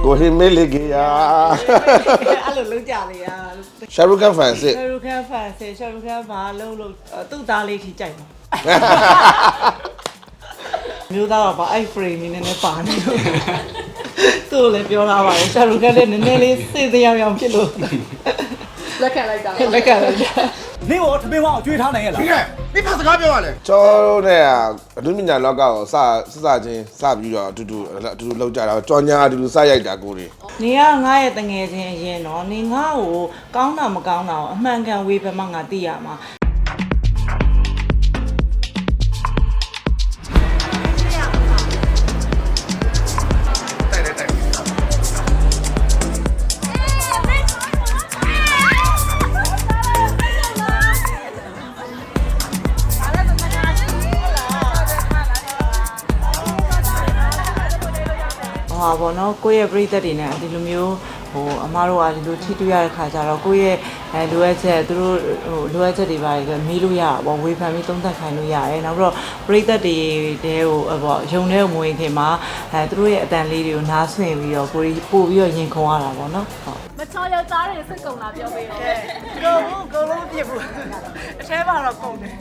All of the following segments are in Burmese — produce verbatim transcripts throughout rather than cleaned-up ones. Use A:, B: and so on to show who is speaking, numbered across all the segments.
A: ကိုဟင်းမေးလေကြီးယာ
B: အဲ့လိုလုံးကြလေရ
A: ရှာရုခန်ဖန်စစ်
B: ရှာရုခန်ဖန်စစ်ရှာရုခန်ဘာလုံးလုံးသူ့သားလေးထိကြိုက်ပါမျိုးသားတော့ဗာအဲ့ frame နည်းနည်းပါနေလို့သူ့လည်းပြောလာပါတယ်ရှာရုခန်လည်းနည်းနည်းလေးစိတ်တရားရောင်ဖြစ်လို့
C: လက်ခံလိုက်တာ
B: လက်ခံလိုက်တာ
D: နင်းကိုထမင်းဝအောင်ကျွေးထားနိုင်ရဲ့လား
E: ဒီကဒီဖတ်စကားပြောရလဲ
A: ကျော်တို့နဲ့အဒုမညာလောကကိုစစစချင်းစပြီးတော့အတူတူအတူတူလောက်ကြတာကြော်ညာအတူတူစရိုက်တာကိုတွေ
B: နေကငါ့ရဲ့တငယ်ချင်းအရင်တော့နေငါ့ကိုကောင်းတာမကောင်းတာကိုအမှန်ကန်ဝေဖန်မှငါသိရမှာဟာဘောနော်ကိုယ့်ရဲ့ပြိသက်တွေနဲ့ဒီလိုမျိုးဟိုအမားတို့ကဒီလိုထိတွေ့ရတဲ့ခါကျတော့ကိုယ့်ရဲ့အဲလိုအပ်ချက်သူတို့ဟိုလိုအပ်ချက်တွေပါတယ်မေးလို့ရတာပေါ့ဝေဖန်ပြီးသုံးသပ်ခိုင်းလို့ရတယ်နောက်ပြီးတော့ပြိသက်တွေတဲဟိုပေါ့ယုံတဲ့မဝင်ခင်မှာအဲသူတို့ရဲ့အတန်လေးတွေကိုနားဆွင့်ပြီးတော့ကိုယ်ပို့ပြီးတော့ရင်ခုန်ရတာပေါ့နော်ဟုတ်
C: မချောယောက်ျားတွေစိတ်ကုန်လာပြောပေးတယ်
B: ကိုကိုကိုလုံးပြဘူးအထဲမှာတော့ကုန်တယ်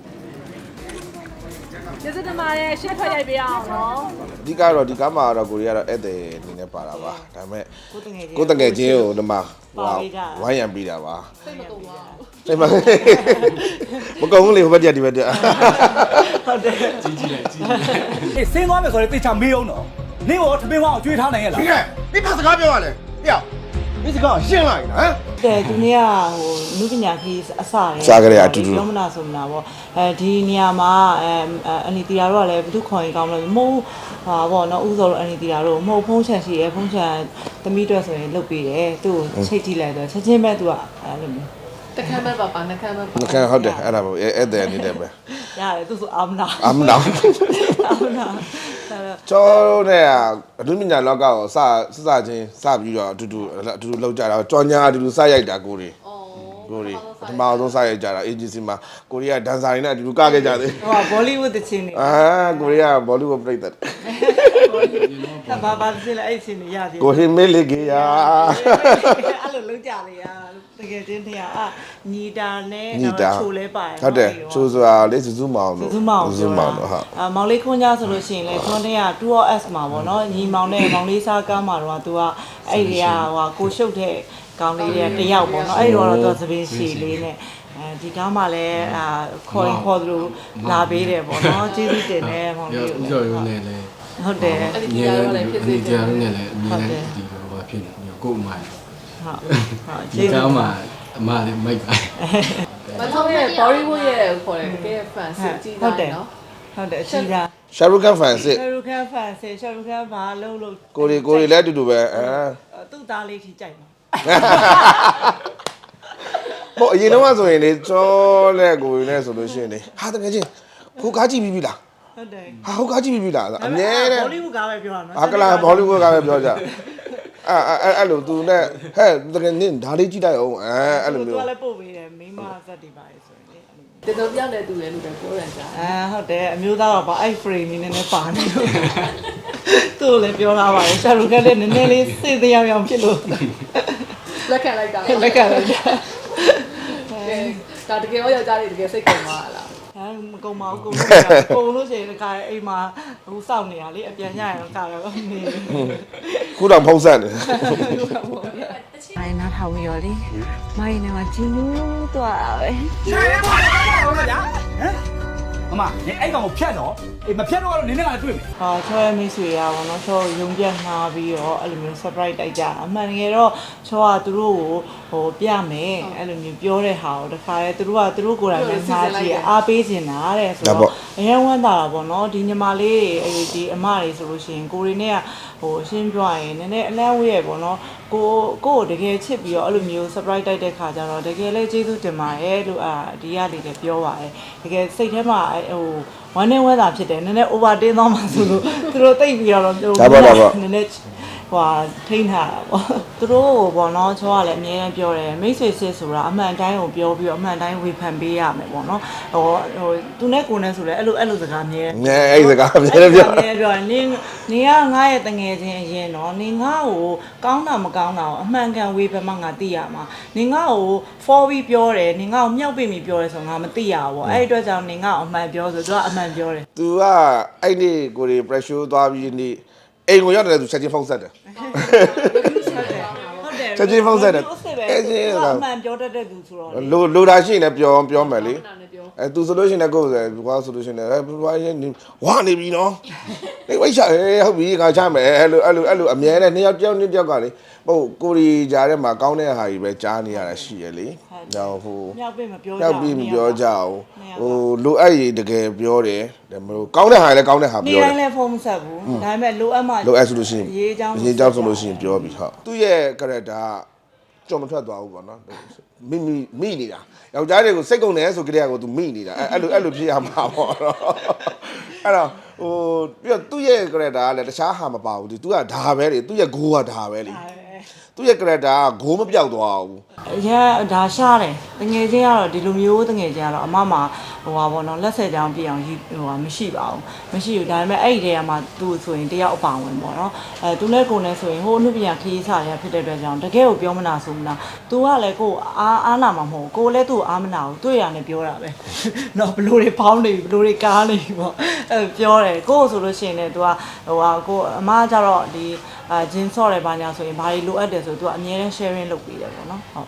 C: ကျေးဇူးတင်ပါတယ်ရှင်းထွက်ရိုက်ပေးအောင်နော်
A: အဓိကတော့ဒီကားမှာတော့ကိုရီးယားတော့ဧည့်သည်အနေနဲ့ပါတာပါဒါပေမဲ့ကိုတငယ်ချင်းကိုဒီမှာဝိုင်းရံပြီးတာပါ
C: စိတ်မကုန်ပါဘူး
A: စိတ်မမကုန်ဘူးလေဟိုဘက်တည်းဒီဘက်တည်း
B: ဟုတ်တယ်
D: ကြီးကြီးလိုက်ကြီးကြီးအေးဆင်းသွားမယ်ဆိုရင်တေချာမေးအောင်တော့နင်းကိုထမင်းဝအောင်ကျွေးထားနိုင်ရဲ့လား
E: ဒီကဒီဖတ်စကားပြောရလဲဟေ့ဒီစကားရှင်းလိုက်နော်
B: ဟမ်တဲ့ဒီနေ့ကဟိုနုပညာခီးအစတယ်
A: စားကြရအတူတူ
B: လုံးမနာဆိုမနာပေါ့အဲဒီနေရာမှာအဲအနီတီယာတို့ကလည်းဘယ်သူခေါ်ရင်ကောင်းလို့မဟုတ်ဟာပေါ့နော်ဥစောတို့အနီတီယာတို့မဟုတ်ဖုံးချန်ရှိရဖုံးချန်သမီးတို့ဆိုရင်လုတ်ပေးတယ်သူ့ကိုချိတ်ကြည့်လိုက်တော့ချက်ချင်းပဲသူကအဲလိုမျိုး
C: တခမ်းပဲပါပါနှခမ်းပဲပါ
A: နှခမ်းဟုတ်တယ်အဲ့ဒါပေါ့ဧည့်သည်အနေနဲ့ပဲ
B: ရတယ်သူဆိုအာမနာ
A: အာမနာ
B: အာမနာ
A: ကျော်တို့နဲ့အဒုမညာလောကကိုစစစချင်းစပြီးတော့အတူတူအတူတူလောက်ကြတာကြော်ညာအတူတူစရိုက်တာကိုတွေကိုတွေပထမဆုံးစရိုက်ကြတာ agency မှာကိုရီးယားဒန်ဆာတွေနဲ့အတူတူကခဲ့ကြသေး
B: ဟိုဘောလိဝုဒ်တချင်းနေ
A: အာကိုရီးယားဘောလိဝုဒ်ပြိတ္တ
B: ဘာဘာစစ်လဲအဲ့ချင်းနေရသေး
A: ကိုဟင်းမေးလေကြီးယာ
B: အဲ့လိုလုံးကြလေရတကယ်ချင်းတရားအညီတာနဲ့ချိုလဲပါတယ်
A: ဟုတ်တယ်ချိုဆိုတာလေစုစုမောင်
B: လို့စုစုမောင်
A: စုစုမောင်လို့ဟုတ်
B: အမောင်လေးခွန်းကြဆိုလို့ရှိရင်လေခွန်းတဲ့က two S မှာပေါ့နော်ညီမောင်နဲ့မောင်လေးစားကားမှာတော့ तू ကအဲ့ဒီကဟိုကိုရှုပ်တဲ့ကောင်းလေးတွေတယောက်ပေါ့နော်အဲ့ဒီတော့တော့သပင်းရှည်လေးနဲ့အဲဒီကားမှာလည်းအာခေါ်ရင်ခေါ်သလိုလာပေးတယ်ပေါ့နော်ကျေးဇူးတင်တယ်မောင်လေးကို
F: ဥစ္စာရုံးနဲ့လည်း
B: ဟုတ်တယ်
C: အဲ့ဒီတရားရောလည်းဖြစ်စေ
F: တယ်တရားရုံးနဲ့လည်းအမြဲတမ်းဒီလိုပါဖြစ်နေကို့အမိုင်း
B: ဟုတ်ဟုတ်
F: ကျေးဇူးအမအမလေးမိုက်ပါ
C: မချောရဲ့ Bollywood ရဲ့ခေါ်တယ်တကယ် fan စစ်ကြည့်တာနော်
B: ဟုတ်တယ်အရှိတာ
A: ရှာရုခန်ဖန်စစ်
B: ရှာရုခန်ဖန်စစ်ရှာရုခန်ဘာလုံးလုံး
A: ကိုရီကိုရီလည်းအတူတူပဲအဲ
B: သူ့သားလေးထိကြိုက်ပါ
A: ဟိုအရင်တော့ဆိုရင်လေကျော်လက်ကိုရီနဲ့ဆိုလို့ရှိရင်လေဟာတကယ်ချင်းကိုကားကြည့်ပြီးပြီလား
B: ဟုတ်တယ်
A: ဟာဟိုကားကြည့်ပြီးပြီလားအမြဲတမ်း
B: ဘောလိဝုဒ်ကားပဲပြောတာနော်
A: ဟာကလာဘောလိဝုဒ်ကားပဲပြောကြအဲအဲအဲ့လိုသူနဲ့ဟဲ့တကယ်နင်းဒါလေးကြည့်လိုက်အောင်အဲအဲ့လိုမျိုး
B: သူကလည်းပို့ပေးတယ်မိမဇက်တွေပါလေဆိုရင်လေ
C: တေတော်ပြောင်းတယ်သူလည်းလို့ပြောတယ်ကြာ
B: အဲဟုတ်တယ်အမျိုးသားတော့ဗာအဲ့ frame နည်းနည်းပါနေလို့သူ့လည်းပြောလာပါတယ်ရှာရုခန်လည်းနည်းနည်းလေးစိတ်တရားရောင်ဖြစ်လို့
C: လက်ခံလိုက်တာ
B: လက်ခံလိုက်တာ
C: ဒါတကယ်ရောယောက်ျားတွေတကယ်စိတ်ကုန်သွားလား
B: ဟမ်မကုန်ပါဘူးကုန်လို့ကုန်လို့ရှိရင်ခါအိမ်မှာဟိုစောင့်နေရလေအပြန်ညရအောင်ခါတော့နေ
A: ခုတော့ဖုံးဆက်နေ
B: မိုင်းနားထောင်ရောလေမိုင်းနေမှာဂျင်းလို့တော့ပဲ
D: ရှာရပါတော့ဗျာဟမ်မမနေအဲ့ကောင်ကိုဖြတ်တော့အေးမဖြတ်တော့ကတော့နင်းနဲ့ကလည်းတွေ့မယ်
B: ဟာချောရဲ့မိတ်ဆွေရပါတော့ချောရုံပြတ်နှားပြီးတော့အဲ့လိုမျိုး surprise တိုက်ကြအမှန်တကယ်တော့ချောကသူတို့ကိုဟိုပြမယ်အဲ့လိုမျိုးပြောတဲ့ဟာကိုတခါလေသူတို့ကသူတို့ကိုယ်တိုင်လည်းငါကြည့်အားပေးနေတာတဲ့ဆိုတော့အရင်ဝမ်းသာတာပေါ့နော်ဒီညီမလေးတွေဒီအမတွေဆိုလို့ရှိရင်ကိုရီနဲ့ကဟိုရှင်းပြရင်နည်းနည်းအလန့်ဝေးရပေါ့နော်ကိုကိုကိုတကယ်ချစ်ပြီးတော့အဲ့လိုမျိုး surprise တိုက်တဲ့ခါကျတော့တကယ်လည်းကျေးဇူးတင်ပါတယ်လို့အာဒီရလေးလည်းပြောပါတယ်တကယ်စိတ်ထဲမှာဟိုဝမ်းနဲ့ဝမ်းသာဖြစ်တယ်နည်းနည်း over တင်းသွားမှဆိုလို့သူတို့တိတ်ပြီးတော့ဟိုနည်းနည်းဟိုထိန်းထားတာပေါ့သူတို့ပေါ့နော်ချောကလည်းအများကြီးပြောတယ်မိတ်ဆွေစစ်ဆိုတာအမှန်တိုင်းကိုပြောပြီးတော့အမှန်တိုင်းဝေဖန်ပေးရမယ်ပေါ့နော်ဟိုဟိုသူနဲ့ကိုနဲ့ဆိုလည်းအဲ့လိုအဲ့လိုစကားအများ
A: ငယ်အဲ့စကားအများပြော
B: အများပြောနင်းနင်းကငါရဲ့တငယ်ချင်းအရင်တော့နင်းငါ့ကိုကောင်းတာမကောင်းတာကိုအမှန်ကန်ဝေဖန်မှငါသိရမှာနင်းငါ့ကို for ပြီးပြောတယ်နင်းငါ့ကိုမြောက်ပိပြီးပြောတယ်ဆိုငါမသိရဘူးပေါ့အဲ့ဒီအတွက်ကြောင့်နင်းငါ့ကိုအမှန်ပြောဆိုသူကအမှန်ပြောတယ်
A: तू ကအဲ့ဒီကိုရီ pressure သွားပြီးနေအိမ်ကိုရောက်တယ်သူချက်ချင်းဖုန်းဆက်တယ် ချက်ချင်းဖုန်းဆက်တယ်
B: အဲ့ဒီကအမှန်ပြောတတ်တဲ့သူဆိုတော့
A: လိုလိုတာရှိရင်လည်းပြောပြောမယ်လေအဲ तू ဆိုလို့ရှိရင်လည်းကိုယ်ဆိုကွာဆိုလို့ရှိရင်လည်းဘွားရင်ဝါနေပြီနော်နေဝိတ်ချဟုတ်ပြီခါချမယ်အဲ့လိုအဲ့လိုအဲ့လိုအမြဲတမ်းနှစ်ယောက်တယောက်နှစ်ယောက်ကလေဟုတ်ကိုရီကြားထဲမှာကောင်းတဲ့ဟာကြီးပဲကြားနေရတာရှိရလေကြောင်ဟို
B: မြောက်ပိမပြောကြ
A: ရောက်ပြီးမပြောကြအောင်ဟိုလိုအပ်ရင်တကယ်ပြောတယ်ဒါမလို့ကောင်းတဲ့ဟာလည်းကောင်းတဲ့ဟာ
B: နေ
A: ပြောတ
B: တိုင်း
A: ယ်
B: လည်းဖုန်းမဆက်ဘူးဒါပေမဲ့လိုအပ်မှ
A: လိုအပ်ဆိုလို့ရှိရင်
B: ရေးချောင်း
A: ရေးကြောင်းဆိုလို့ရှိရင်ပြောပြီးဟုတ်သူ့ရဲ့ character ကြော်မထွက်သွားဘူးပေါ့နော်မိမိမိနေတာယောက်ျားတွေကိုစိတ်ကုန်တယ်ဆိုကြတဲ့ကိုသူမိနေတာအဲ့အဲ့လိုအဲ့လိုဖြစ်ရမှာပေါ့နော်အဲ့တော့ဟိုပြီးတော့သူ့ရဲ့ character ကလည်းတခြားဟာမပါဘူးသူကဒါပဲလေသူ့ရဲ့ goal ကဒါပဲလေသူ့ရဲ့ character က goal မပြောက်သွားဘူး
B: အရင်ဒါရှားတယ်တငယ်ချင်းကတော့ဒီလိုမျိုးတငယ်ချင်းကတော့အမမှာဟိုပါဘောနော်လက်ဆက်ကြောင်ပြအောင်ဟိုဟာမရှိပါဘူးမရှိဘူးဒါပေမဲ့အဲ့ဒီတည်းကမှသူ့ဆိုရင်တယောက်အပါဝင်ပေါ့နော်အဲသူနဲ့ကိုယ်နဲ့ဆိုရင်ဟိုအမှုပြန်ခရီးစားရဖြစ်တဲ့အတွက်ကြောင့်တကယ်ကိုပြောမနာဆိုမနာသူကလည်းကိုအားအားနာမှာမဟုတ်ကိုလည်းသူ့အားမနာဘူးတွေ့ရနဲ့ပြောတာပဲနော်ဘလို့တွေဖောင်းနေပြီဘလို့တွေကားနေပြီပေါ့အဲပြောတယ်ကိုဆိုလို့ရှိရင်လည်းသူကဟိုဟာကိုအမကျတော့ဒီအာဂျင်းဆော့တယ်ဘာညာဆိုရင်ဘာတွေလိုအပ်တယ်ဆိုသူကအမြဲတမ်း sharing လုပ်ပေးတယ်ပေါ့နော်ဟုတ်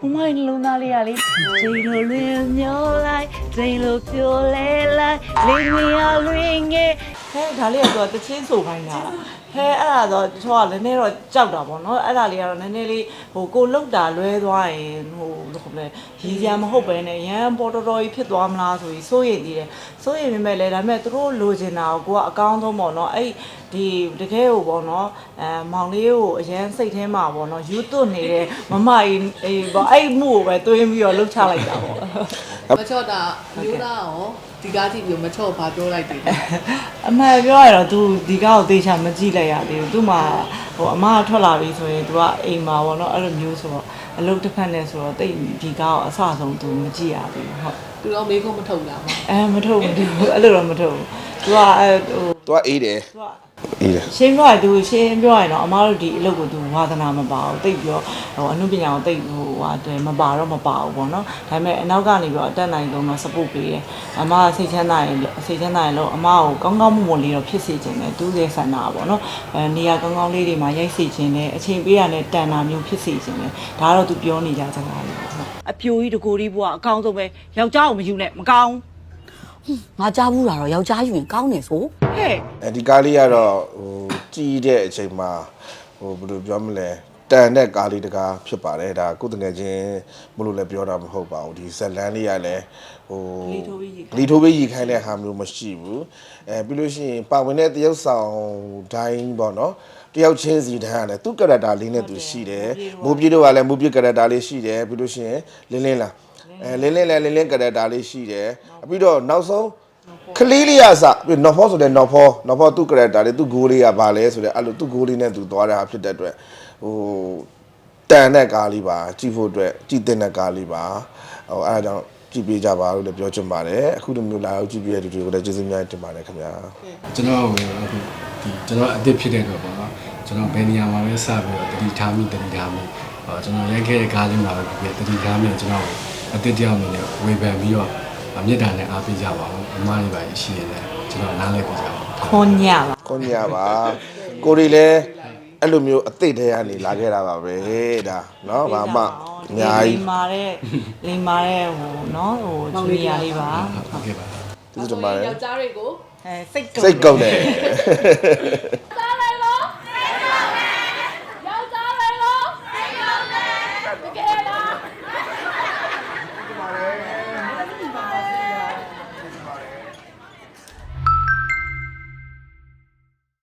G: 我买龙哪里啊哩？这路轮流来，这路飘来来，零零啊零个。
B: ဟဲဒါလေးကတော့တချင်းဆိုခိုင်းတာဟဲအဲ့ဒါတော့ချောကလည်းနည်းတော့ကြောက်တာပေါ့နော်အဲ့ဒါလေးကတော့နည်းနည်းလေးဟိုကိုလောက်တာလွဲသွားရင်ဟိုဘယ်လိုလဲရည်စရာမဟုတ်ပဲနဲ့ရန်ပေါ်တော်တော်ကြီးဖြစ်သွားမလားဆိုပြီးစိုးရိမ်သေးတယ်စိုးရိမ်မိမဲ့လဲဒါပေမဲ့သူတို့လိုချင်တာကိုကိုကအကောင်းဆုံးပေါ့နော်အဲ့ဒီတကယ်ကိုပေါ့နော်အဲမောင်လေးကိုအရန်စိတ်ထဲမှာပေါ့နော်ယူသွတ်နေတဲ့မမကြီးအေးပေါ့အဲ့မှုကိုပဲတွေးပြီးတော့လှုပ်ချလိုက်တာပေါ့
C: မချော့တာမျိုးသားရောဒီကားကြည့်ပြီးမချော့ဘာပြောလိုက်တယ်
B: အမှန်ပြောရတော့ तू ဒီကားကိုသေချာမကြည့်လိုက်ရသေးဘူး तू မှာဟိုအမကထွက်လာပြီဆိုရင် तू ကအိမ်မှာပေါ့နော်အဲ့လိုမျိုးဆိုတော့အလုပ်တစ်ဖက်နဲ့ဆိုတော့တိတ်ဒီကားကိုအဆဆုံး तू မကြည့်ရသေးဘူးဟုတ်
C: သူတော့မေးခွန်းမထုတ်လားမ
B: အဲမထုတ်ဘူး तू အဲ့လိုတော့မထုတ်ဘူး तू ကအဲဟို
A: သူကအေးတယ်
B: तू က
A: အေးတယ်
B: ရှင်းပြောရသူရှင်းပြောရရင်တော့အမားတို့ဒီအလုပ်ကိုသူဝါသနာမပါဘူးတိတ်ပြောဟိုအမှုပညာကိုတိတ်ဟိုဟာတယ်မပါတော့မပါဘူးပေါ့နော်ဒါပေမဲ့အနောက်ကနေပြီးတော့အတက်နိုင်ဆုံးတော့ support ပေးတယ်အမားစိတ်ချမ်းသာရင်စိတ်ချမ်းသာရင်လို့အမားကိုကောင်းကောင်းမွန်မွန်လေးတော့ဖြစ်စေချင်တယ်သူ့ရဲ့ဆန္ဒပေါ့နော်အဲနေရာကောင်းကောင်းလေးတွေမှာရိုက်စေချင်တယ်အချိန်ပေးရတဲ့တန်တာမျိုးဖြစ်စေချင်တယ်ဒါကတော့သူပြောနေကြစကားလေးပေါ့နော်အပြိုကြီးတကိုကြီးဘွားအကောင်းဆုံးပဲယောက်ျားကိုမယူနဲ့မကောင်း
G: ငါကြားဘူးတာတော့ယောက်ျားယူရင်ကောင်းတယ်ဆို
B: ဟဲ့
A: အဲဒီကားလေးကတော့ဟိုကြည်တဲ့အချိန်မှာဟိုဘယ်လိုပြောမလဲတန်တဲ့ကားလေးတကားဖြစ်ပါတယ်ဒါကိုယ်တကယ်ချင်းမလို့လည်းပြောတာမဟုတ်ပါဘူးဒီဇက်လန်းလေးကလည်းဟိုလီထိုးပေးရီခိုင်းတဲ့ဟာမျိုးမရှိဘူးအဲပြီးလို့ရှိရင်ပါဝင်တဲ့တရုပ်ဆောင်တိုင်းပေါ့နော်တယောက်ချင်းစီတန်းရတယ်သူ့ character လေးနဲ့သူရှိတယ်မိုးပြေတို့ကလည်းမိုးပြေ character လေးရှိတယ်ပြီးလို့ရှိရင်လင်းလင်းလားအဲလင်းလင်းလည်းလင်းလင်း character လေးရှိတယ်ပြီးတော့နောက်ဆုံးကလေးလေးရစပြီးနော်ဖောဆိုတဲ့နော်ဖောနော်ဖောသူ့ character လေးသူ့ goal လေးကဘာလဲဆိုတဲ့အဲ့လိုသူ့ goal လေးနဲ့သူသွားတာဖြစ်တဲ့အတွက်ဟိုတန်တဲ့ကားလေးပါကြည့်ဖို့အတွက်ကြည့်တဲ့ကားလေးပါဟိုအဲ့ဒါကြောင့်ကြည့်ပေးကြပါလို့လည်းပြောချင်ပါတယ်အခုလိုမျိုးလာရောက်ကြည့်ပေးတဲ့သူတွေကိုလည်းကျေးဇူးများတင်ပါတယ်ခင်ဗျာ
F: ကျွန်တော်အခုဒီကျွန်တော်အစ်စ်ဖြစ်တဲ့တော့ပေါ့နော်ကျွန်တော်ဘယ်နေရာမှာပဲစပြီးတော့တတိထားမိတတိထားမိဟောကျွန်တော်ရိုက်ခဲ့တဲ့ကားလေးမှာပဲတတိထားမိကျွန်တော်အစ်စ်တယောက်အနေနဲ့ဝေဖန်ပြီးတော့မြစ်တာနဲ့အားပေးကြပါဦးအမားလေးပါရှိနေတယ်ကျွန်တော်နားလည်ပြကြပါဦး
B: ခွန်ညာပါ
A: ခွန်ညာပါကိုရီလည်းအဲ့လိုမျိုးအသိတဲ့ကနေလာခဲ့တာပါပဲဒါเนาะဘာမှအများကြီး
B: လိမ္မာတဲ့လိမ္မာတဲ့ဟိုနော်ဟိုဂျူနီယာလေးပါ
F: ဟုတ်ကဲ့ပါ
A: ကျေးဇူးတင်ပါတယ်
C: ယောက်ျားတွေကို
B: အဲစိတ်
A: စိတ်ကုန်တယ်
C: တာ